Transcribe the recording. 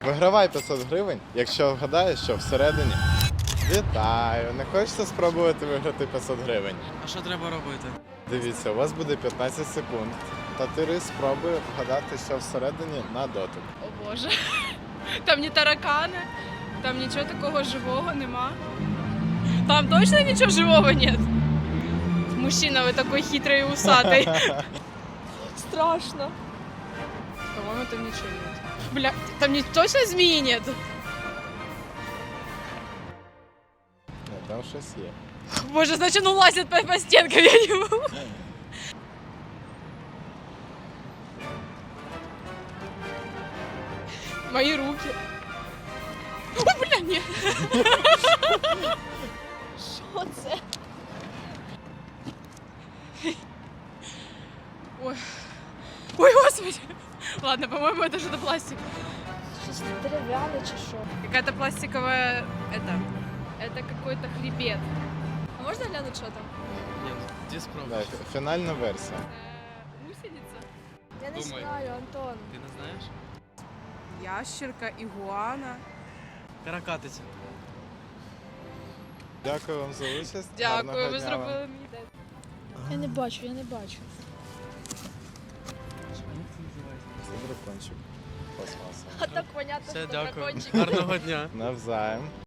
Вигравай 500 гривень, якщо вгадаєш, що всередині. Вітаю! Не хочете спробувати виграти 500 гривень? А що треба робити? Дивіться, у вас буде 15 секунд. Та Тири спробує вгадати, що всередині на дотик. О Боже. Там не таракани, там нічого такого живого нема. Там точно ничего живого нет? Мужчина, вы такой хитрый и усатый. Страшно. По-моему, там ничего нет. Бля, там точно змеи нет? Ні, там щось є. Боже, значит, он лазит по стенкам, я не могу. Мои руки. О, бля, нет. Що це? Ой. Ой, господи. Ладно, по-моему, это что-то пластик. Щось дерев'яне чи що? Какая-то пластиковая... Это какой-то хребет. А можна глянути, що там? Ні, де Да, спробуєш? фінальна версія. Гусеница. Я не Думай. знаю, Антон. Ти не знаєш? Ящерка, игуана. Каракатиця. Дякую вам за участь. Дякую, Гарного ви дня зробили вам. мені день. Я не бачу, я не бачу. Як це називається? Це дракончик пластмасовий. А так понятно, Все, що дякую. дракончик. Гарного дня. Навзаєм.